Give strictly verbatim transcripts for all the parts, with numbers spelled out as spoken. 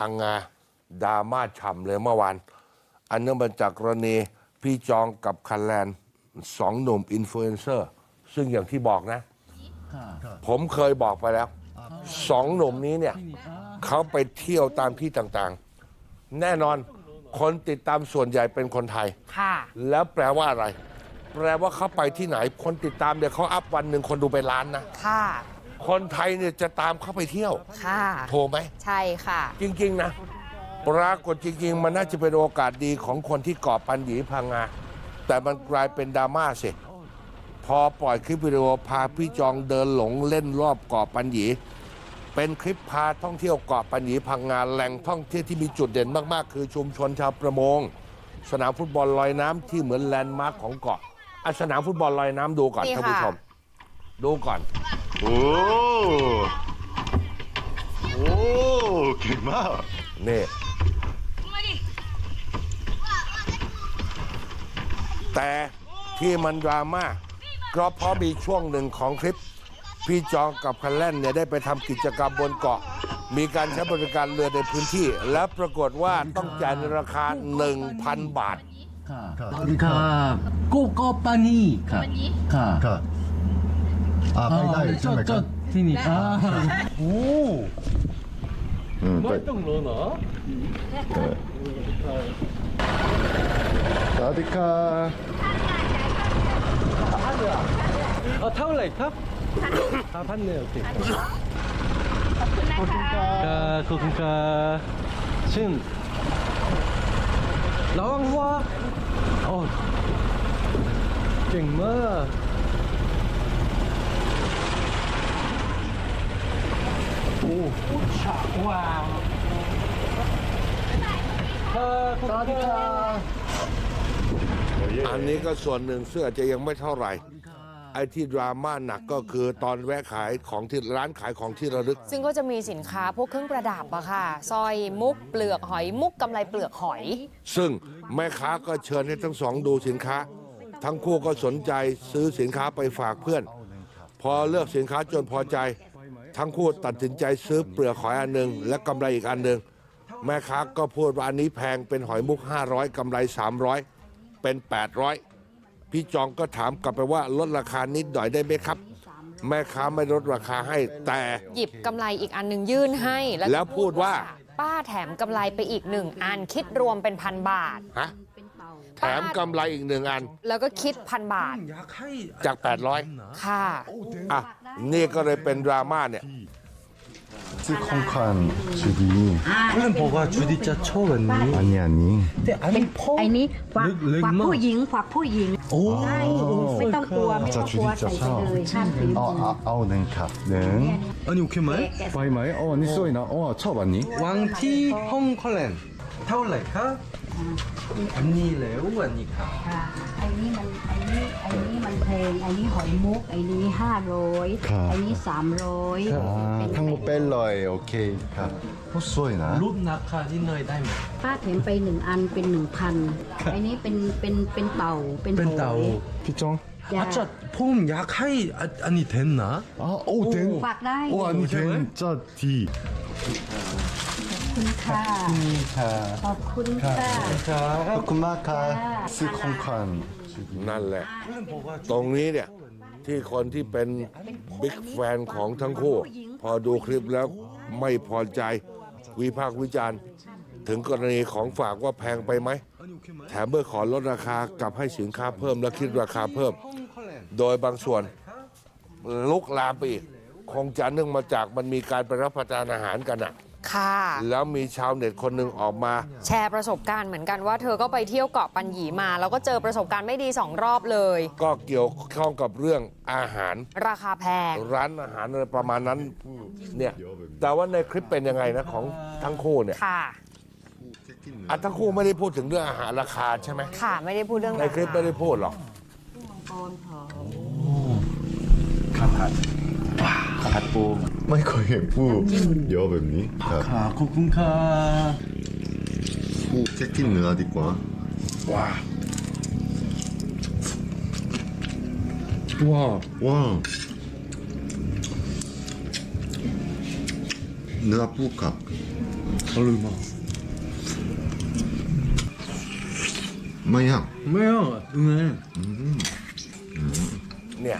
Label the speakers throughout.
Speaker 1: พังงาดราม่าฉ่ำเลยเมื่อวานอันเนื่องมาจากกรณีพี่จองกับคันแลนสองหนุ่มอินฟลูเอนเซอร์ซึ่งอย่างที่บอกนะผมเคยบอกไปแล้วสองหนุ่มนี้เนี่ยเขาไปเที่ยวตามที่ต่างๆแน่นอนคนติดตามส่วนใหญ่เป็นคนไทยแล้วแปลว่าอะไรแปลว่าเขาไปที่ไหนคนติดตามเนี่ยเขาอัพวันหนึ่งคนดูไปล้านนะค่ะคนไทยเนี่ยจะตามเขาไปเที่ยวค่ะโทรไหมใช่ค่ะจริงๆนะปรากฏจริงๆมันน่าจะเป็นโอกาสดีของคนที่เกาะปัญญีพังงาแต่มันกลายเป็นดราม่าสิพอปล่อยคลิปวิดีโอพาพี่จองเดินหลงเล่นรอบเกาะปัญญีเป็นคลิปพาท่องเที่ยวเกาะปัญญีพังงาแหล่งท่องเที่ยวที่มีจุดเด่นมากๆคือชุมชนชาวประมงสนามฟุตบอลลอยน้ำที่เหมือนแลนด์มาร์คของเกาะอ่ะสนามฟุตบอลลอยน้ำดูก่อนท่านผู้ชมดูก่อน
Speaker 2: โอ้โอ้เก่งมาก
Speaker 1: นี่แต่ที่มันดราม่าก็เพราะมีช่วงหนึ่งของคลิปพี่จองกับคันแล่นเนี่ยได้ไปทำกิจกรรมบนเกาะมีการใช้บริการเรือในพื้นที่และปรากฏว่าต้องจ่ายในราคา หนึ่งพัน บาท
Speaker 3: ครับโกโกปานีครับ
Speaker 2: ครับอ่าไปได้ใช่ไหมครับ
Speaker 3: ที่นี่อ่าโอ้
Speaker 2: ไม่ต้องรอเนาะสวัสดีครับ
Speaker 3: เออเท่าไหร่ครับห้าพันเนี่ยโอเค
Speaker 2: ขอบคุณครับ
Speaker 3: ขอบคุณครับซึ่งระวังหัวโอ้เก่งมากโอ้ว้าว
Speaker 2: สวัสดีครับ
Speaker 1: อันนี้ก็ส่วนหนึ่งซึ่งอาจจะยังไม่เท่าไหร่ไอ้ที่ดราม่าหนักก็คือตอนแวะขายของที่ร้านขายของที่ระลึก
Speaker 4: ซึ่งก็จะมีสินค้าพวกเครื่องประดับอะค่ะสร้อยมุกเปลือกหอยมุกกำไลเปลือกหอย
Speaker 1: ซึ่งแม่ค้าก็เชิญให้ทั้งสองดูสินค้าทั้งคู่ก็สนใจซื้อสินค้าไปฝากเพื่อนพอเลือกสินค้าจนพอใจทั้งคู่ตัดสินใจซื้อเปลือกหอยอันหนึ่งและกำไรอีกอันหนึ่งแม่ค้าก็พูดว่าอันนี้แพงเป็นหอยมุกห้าร้อยกำไรสามร้อยเป็นแปดร้อยพี่จองก็ถามกลับไปว่าลดราคานิดหน่อยได้ไหมครับแม่ค้าไม่ลดราคาให้แต่
Speaker 4: หยิบกำไรอีกอันหนึ่งยื่นให้
Speaker 1: แล้วพูดว่า
Speaker 4: ป้าแถมกำไรไปอีกหนึ่งอันคิดรวมเป็นพันบาท
Speaker 1: ฮะแถมกำไรอีกหนึ่งอัน
Speaker 4: แล้วก็คิดพันบาท
Speaker 1: จากแปดร้อย
Speaker 4: ค่ะ
Speaker 1: อ่ะนี่ก็เลยเป็นดราม่าเนี่ย
Speaker 2: ชื่อของคันจูดี
Speaker 3: เพื่อนบอกว่าจูดีจะชอบอันนี้
Speaker 2: อันนี้อันนี้
Speaker 3: แต่อันนี้พ่อ
Speaker 5: ไอ้นี้ฝากฝากผู้หญิงฝากผู้หญิง
Speaker 3: โอ้
Speaker 5: ไม่ต้องกลัวไม่ต้องกลัวใส่ไปเลยห้ามถือ
Speaker 2: เอาเอาเอาหนึ่งครับหนึ่ง
Speaker 3: อันนี้โอเคไหม
Speaker 2: ไปไหมอ๋อนี่สวยนะอ๋อชอบอันนี้
Speaker 3: วังที่ฮ่องกงเท่าไหร่ครับอันนี้แล้วอันนี้ครับ
Speaker 5: ไอ้นี้มันไอ้นี้ไอ้นี้มันเพลงไอ้นี้หอยมุกไอ้นี้ห้าร้อยไอ้นี้สามร้อย
Speaker 2: ทั้งหมดเป็นร้อยโอเคครับโอ้สวยนะ
Speaker 3: รูปนักค่ะที่เนยได้ไหม
Speaker 5: ป้าแถมไปหนึ่งอันเป็นหนึ่งพันไอ้นี้เป็นเป็นเป็นเต่า
Speaker 3: เป็นเต่า
Speaker 2: พี่จอง
Speaker 3: อาจจะผมอยากให้อันนี้เทนนะ
Speaker 2: อ๋อโอ้เทน
Speaker 5: ฝากได้
Speaker 2: โอ้อันนี้เทนจะดี
Speaker 5: ขอบคุณค่ะขอบคุณค่ะ
Speaker 2: ขอบคุณมากค่ะซื้อของขวัญ
Speaker 1: นั่นแหละตรงนี้เนี่ยที่คนที่เป็นบิ๊กแฟนของทั้งคู่พอดูคลิปแล้วไม่พอใจวิพากษ์วิจารณ์ถึงกรณีของฝากว่าแพงไปไหมแถมเมื่อขอลดราคากลับให้สินค้าเพิ่มและคิดราคาเพิ่มโดยบางส่วนลุกลามไปอีกคงจะเนื่องมาจากมันมีการไปรับประทานอาหารกันอะ
Speaker 4: ค่ะ
Speaker 1: แล้วมีชาวเน็ตคนหนึ่งออกมา
Speaker 4: แชร์ประสบการณ์เหมือนกันว่าเธอก็ไปเที่ยวเกาะปัญญีมาแล้วก็เจอประสบการณ์ไม่ดีสองรอบเลย
Speaker 1: ก็เกี่ยวข้องกับเรื่องอาหาร
Speaker 4: ราคาแพง
Speaker 1: ร้านอาหารอะไรประมาณนั้นเนี่ยแต่ว่าในคลิปเป็นยังไงนะของทั้งคู่เนี่ย
Speaker 4: ค่ะ
Speaker 1: อ่ะทั้งคู่ไม่ได้พูดถึงเรื่องอาหารราคาใช่ไหม
Speaker 4: ค่ะไม่ได้พูดเรื่อง
Speaker 1: ในคลิปไม่ได้พูดหรอก
Speaker 2: ข้าวผัดข้าวผัดปูไม่เคยเห็นปูเยอะแบบนี้
Speaker 3: ครับขอบคุณค่ะ
Speaker 2: ปูเช็คกินเนื้อดีกว่าว้าว้าว้าเนื้อปูกับ
Speaker 3: 얼마?
Speaker 2: 뭐야?
Speaker 3: 뭐야? 네.
Speaker 1: เนี่ย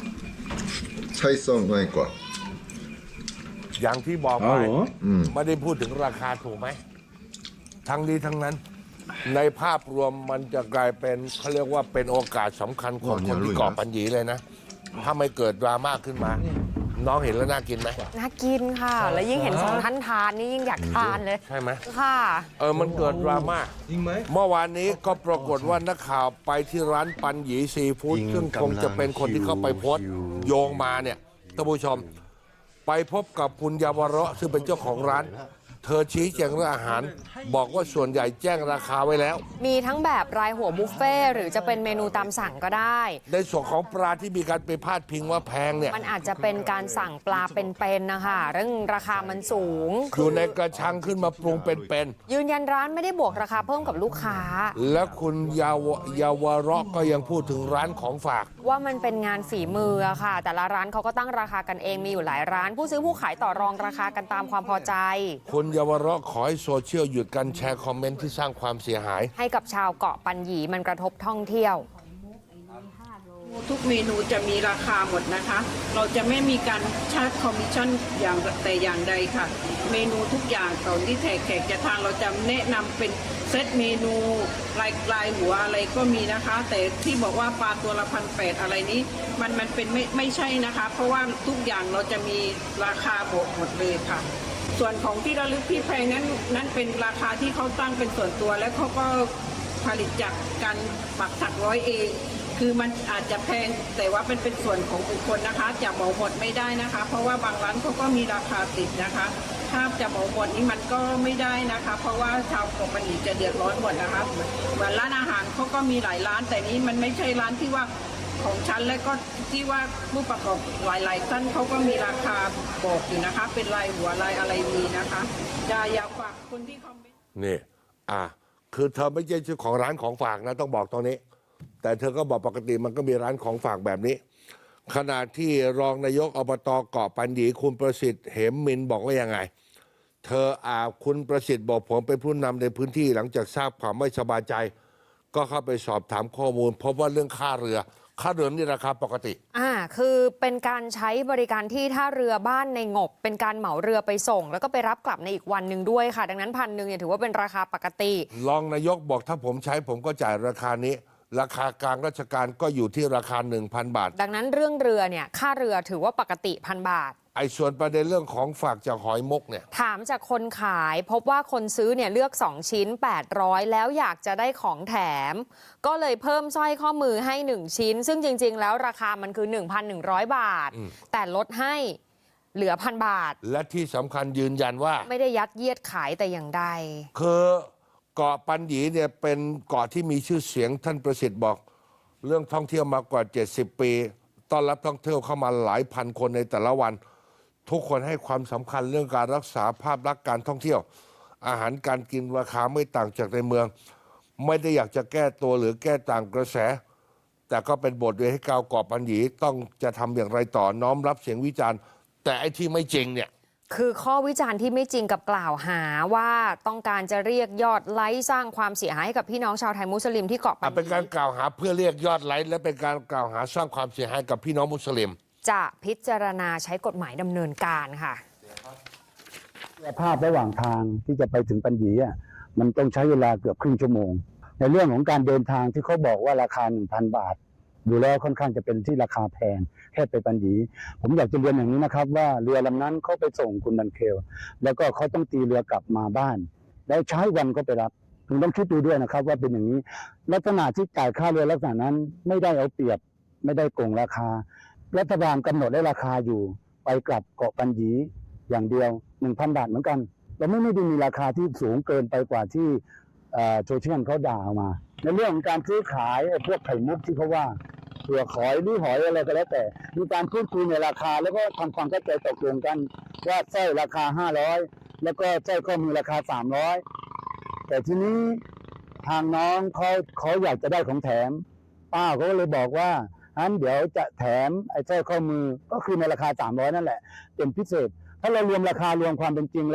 Speaker 2: 차이성 나이과.
Speaker 1: อย่างที่บอกไป
Speaker 3: 아, 뭐?
Speaker 1: ไม่ได้พูดถึงราคาถูกไหม ทั้งนี้ทั้งนั้น ในภาพรวมมันจะกลายเป็นเขาเรียกว่าเป็นโอกาสสำคัญของคนที่เกาะปัญญีเลยนะ ถ้าไม่เกิดดราม่าขึ้นมา น้องเห็นแล้วน่ากินไหม
Speaker 4: น่ากินค่ะ แล้วยิ่งเห็นสองท่านทานนี่ยิ่งอยากทานเลย
Speaker 1: ใช่ไหม
Speaker 4: ค่ะ
Speaker 1: เออมันเกิดดราม่า
Speaker 3: จริงไหม
Speaker 1: เมื่อวานนี้ก็ปรากฏว่านักข่าวไปที่ร้านปันหยีซีฟู้ดซึ่งคงจะเป็นคนที่เข้าไปโพสต์โยงมาเนี่ยท่านผู้ชม ไปพบกับคุณยาวเราะซึ่งเป็นเจ้าของร้าน เธอชี้แจงเรื่องอาหาร บอกว่าส่วนใหญ่แจ้งราคาไว้แล้ว
Speaker 4: มีทั้งแบบรายหัวบุฟเฟ่ต์หรือจะเป็นเมนูตามสั่งก็ได้
Speaker 1: ในส่วนของปลาที่มีการไปพาดพิงว่าแพงเนี่ย
Speaker 4: มันอาจจะเป็นการสั่งปลาเป็นๆนะคะเรื่องราคามันสูง
Speaker 1: อยู่ในกระชังขึ้นมาปรุงเป็น
Speaker 4: ยืนยันร้านไม่ได้บวกราคาเพิ่มกับลูกค้า
Speaker 1: ๆและคุณยาวเยาวเราะก็ยังพูดถึงร้านของฝาก
Speaker 4: ว่ามันเป็นงานฝีมืออะค่ะ แต่ละร้านเขาก็ตั้งราคากันเองมีอยู่หลายร้าน ผู้ซื้อผู้ขายต่อรองราคากันตามความพอใจ
Speaker 1: คุณเยาวเราะขอให้โซเชียลหยุดการแชร์คอมเมนต์ที่สร้างความเสียหาย
Speaker 4: ให้กับชาวเกาะปัญญีมันกระทบท่องเที่ยว
Speaker 6: ทุกเมนูจะมีราคาหมดนะคะ เราจะไม่มีการชาร์จคอมมิชชั่นอย่างแต่อย่างใดค่ะ เมนูทุกอย่างตอนที่แขกแขกจะทานเราจะแนะนำเป็นเซตเมนูลายลายหัวอะไรก็มีนะคะ แต่ที่บอกว่าปลาตัวละพันแปดอะไรนี้มันมันเป็นไม่ไม่ใช่นะคะ เพราะว่าทุกอย่างเราจะมีราคาบวกหมดเลยค่ะ ส่วนของที่ระลึกที่แพงนั้นนั้นเป็นราคาที่เขาตั้งเป็นส่วนตัวและเขาก็ผลิตจากการปักถักร้อยเอง คือมันอาจจะแพงแต่ว่าเป็นเป็นส่วนของบุคคลนะคะจะเหมาหมดไม่ได้นะคะ เพราะว่าบางร้านเขาก็มีราคาติดนะคะ ถ้าจะเหมาหมดนี้มันก็ไม่ได้นะคะ เพราะว่าชาวเกาะปัญญีจะเดือดร้อนหมดนะคะเหมือนร้านอาหารเขาก็มีหลายร้าน แต่นี้มันไม่ใช่ร้านที่ว่าของฉันและก็ที่ว่าผู้ประกอบหลายๆท่านเขาก็มีราคาบอกอยู่นะคะ เป็นรายหัวรายอะไรมีนะคะจะอยากฝากคนที่คอมเมนต์
Speaker 1: นี่ อ่ะ คือเธอไม่ใช่เจ้าของร้านของฝากนะต้องบอกตรงนี้ แต่เธอก็บอกปกติมันก็มีร้านของฝากแบบนี้ ขณะที่รองนายกอบตเกาะปัญญีคุณประสิทธิ์เหมมินบอกว่ายังไง เธออาคุณประสิทธิ์บอกผมเป็นผู้นำในพื้นที่หลังจากทราบความไม่สบายใจ ก็เข้าไปสอบถามข้อมูลพบว่าเรื่องค่าเรือ ค่าเรือนี่ราคาปกติ
Speaker 4: อ่า คือเป็นการใช้บริการที่ท่าเรือบ้านในงบ เป็นการเหมาเรือไปส่ง แล้วก็ไปรับกลับในอีกวันหนึ่งด้วยค่ะ ดังนั้นพันหนึ่งเนี่ยถือว่าเป็นราคาปกติ
Speaker 1: รองนายกบอกถ้าผมใช้ผมก็จ่ายราคานี้ ราคากลางราชการก็อยู่ที่ราคา หนึ่งพัน บาท
Speaker 4: ดังนั้นเรื่องเรือเนี่ยค่าเรือถือว่าปกติพันบาท
Speaker 1: ไอ้ส่วนประเด็นเรื่องของฝากจากหอยมกเนี่ย
Speaker 4: ถามจากคนขายพบว่าคนซื้อเนี่ยเลือกสองชิ้นแปดร้อยแล้วอยากจะได้ของแถม ก็เลยเพิ่มสร้อยข้อมือให้หนึ่งชิ้น ซึ่งจริง ๆ แล้วราคามันคือ หนึ่งพันหนึ่งร้อย บาท แต่ลดให้เหลือพันบาท
Speaker 1: และที่สำคัญยืนยันว่า
Speaker 4: ไม่ได้ยัดเยียดขายแต่อย่างใด
Speaker 1: คือเกาะปัญญีเนี่ยเป็นเกาะที่มีชื่อเสียงท่านประสิทธิ์บอก เรื่องท่องเที่ยวมากว่าเจ็ดสิบปีต้อนรับท่องเที่ยวเข้ามาหลายพันคนในแต่ละวัน ทุกคนให้ความสำคัญเรื่องการรักษาภาพลักษณ์การท่องเที่ยว อาหารการกินราคาไม่ต่างจากในเมือง ไม่ได้อยากจะแก้ตัวหรือแก้ต่างกระแส แต่ก็เป็นบทเรียนให้ชาวเกาะปัญญีต้องจะทำอย่างไรต่อน้อมรับเสียงวิจารณ์ แต่ไอ้ที่ไม่จริงเนี่ย
Speaker 4: คือข้อวิจารณ์ที่ไม่จริงกับกล่าวหาว่าต้องการจะเรียกยอดไลค์สร้างความเสียหายให้กับพี่น้องชาวไทยมุสลิมที่เกาะปัญ
Speaker 1: อ่ะเป็น
Speaker 4: ญี
Speaker 1: การกล่าวหาเพื่อเรียกยอดไลค์และเป็นการกล่าวหาสร้างความเสียหายกับพี่น้องมุสลิม
Speaker 4: จะพิจารณาใช้กฎหมายดำเนินการค่ะ
Speaker 7: ภาพระหว่างทางที่จะไปถึงปัญญีอ่ะมันต้องใช้เวลาเกือบครึ่งชั่วโมง ในเรื่องของการเดินทางที่เขาบอกว่าราคา หนึ่งพัน บาท ดูแล้วค่อนข้างจะเป็นที่ราคาแพงแค่ไปปัญญีผมอยากจะเรียนอย่างนี้นะครับว่าเรือลำนั้นเขาไปส่งคุณบันเคลแล้วก็เขาต้องตีเรือกลับมาบ้าน แล้วใช้วันก็ไปรับคุณต้องคิดดูด้วยนะครับว่าเป็นอย่างนี้ลักษณะที่จ่ายค่าเรือลักษณะนั้นไม่ได้เอาเปรียบไม่ได้โกงราคารัฐบาลกำหนดได้ราคาอยู่ไปกลับเกาะปัญญีอย่างเดียว หนึ่งพัน บาทเหมือนกันเราไม่ไม่ได้มีราคาที่สูงเกินไปกว่าที่โซเชียลเขาด่าออกมาในเรื่องของการซื้อขายพวกไข่มุกที่เขาว่าเปลือกหอยหรือหอยอะไรก็แล้วแต่มีการพูดคุยในราคาแล้วก็ทำความเข้าใจตกลงกันว่าสร้อยราคาห้าร้อยแล้วก็สร้อยข้อมือราคาสามร้อยแต่ทีนี้ทางน้องเขาเขาอยากจะได้ของแถมป้าเขาก็เลยบอกว่างั้นเดี๋ยวจะแถมไอ้สร้อยข้อมือก็คือในราคาสามร้อยนั่นแหละเป็นพิเศษถ้าเรารวมราคารวมความเป็นจริงแล้ว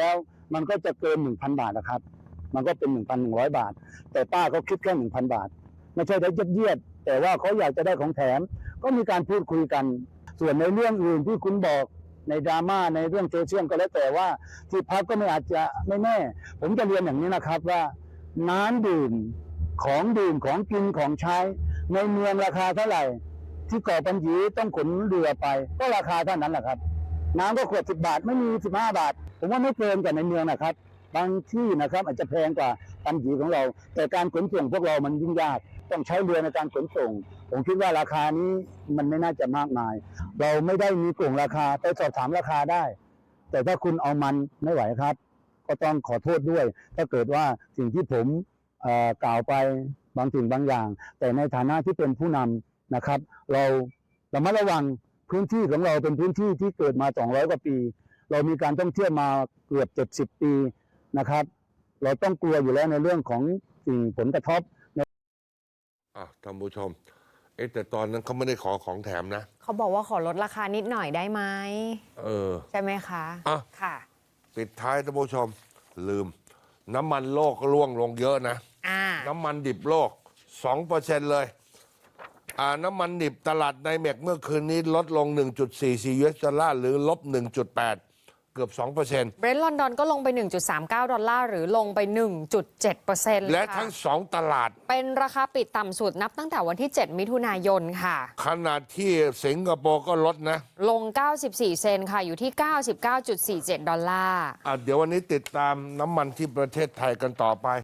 Speaker 7: มันก็จะเกิน หนึ่งพัน บาทนะครับ มันก็เป็น หนึ่งพันหนึ่งร้อย บาท แต่ป้าเขาคิดแค่ หนึ่งพัน บาท ไม่ใช่ได้ยัดเยียดแต่ว่าเขาอยากจะได้ของแถม ก็มีการพูดคุยกัน ส่วนในเรื่องอื่นที่คุณบอกในดราม่าในเรื่องโซเชียลก็แล้วแต่ว่าที่พักก็ไม่อาจจะไม่แน่ ผมจะเรียนอย่างนี้นะครับว่าน้ำดื่มของดื่มของกินของใช้ในเมืองราคาเท่าไหร่ ที่เกาะปัญญีต้องขนเรือไปก็ราคาเท่านั้นแหละครับ น้ำก็ขวดสิบบาทไม่มีสิบห้าบาท ผมว่าไม่เกินกว่าในเมืองนะครับ บางที่นะครับอาจจะแพงกว่าปัญญีของเรา แต่การขนส่งพวกเรามันยุ่งยากต้องใช้เรือในการขนส่ง ผมคิดว่าราคานี้มันไม่น่าจะมากมาย เราไม่ได้มีกลุ่มราคาไปสอบถามราคาได้ แต่ถ้าคุณเอามันไม่ไหวครับ ก็ต้องขอโทษด้วย ถ้าเกิดว่าสิ่งที่ผมเอ่อกล่าวไปบางสิ่งบางอย่าง แต่ในฐานะที่เป็นผู้นำนะครับ เราระมัดระวังพื้นที่ของเราเป็นพื้นที่ที่เกิดมาสองร้อยกว่าปี เรามีการท่องเที่ยวมาเกือบเจ็ดสิบปีนะครับ เราต้องกลัวอยู่แล้วในเรื่องของสิ่งผลกระทบ
Speaker 1: อ่ะท่านผู้ชม เอ๊ะแต่ตอนนั้นเขาไม่ได้ขอของแถมนะ
Speaker 4: เขาบอกว่าขอลดราคานิดหน่อยได้ไหม
Speaker 1: เออ
Speaker 4: ใช่ไหมคะ
Speaker 1: อ่ะ
Speaker 4: ค่ะ
Speaker 1: ปิดท้ายท่านผู้ชม ลืม น้ำมันโลกก็ร่วงลงเยอะนะ
Speaker 4: อ่า
Speaker 1: น้ำมันดิบโลก สองเปอร์เซ็นต์ เลย อ่า น้ำมันดิบตลาดไนเมกเมื่อคืนนี้ลดลง หนึ่งจุดสี่สี่ ยู เอส ดอลลาร์หรือลบ หนึ่งจุดแปด เกือบ สองเปอร์เซ็นต์
Speaker 4: เบรนท์ลอนดอนก็ลงไป หนึ่งจุดสามเก้า ดอลลาร์หรือลงไป หนึ่งจุดเจ็ดเปอร์เซ็นต์
Speaker 1: และทั้งสองตลาด
Speaker 4: เป็นราคาปิดต่ำสุดนับตั้งแต่วันที่ เจ็ด มิถุนายนค่ะ
Speaker 1: ขณะที่สิงคโปร์ก็ลดนะ
Speaker 4: ลง เก้าสิบสี่ เซนต์ค่ะ อยู่ที่ เก้าสิบเก้าจุดสี่เจ็ด ดอลลาร์
Speaker 1: อ่ะเดี๋ยววันนี้ติดตามน้ำมันที่ประเทศไทยกันต่อไป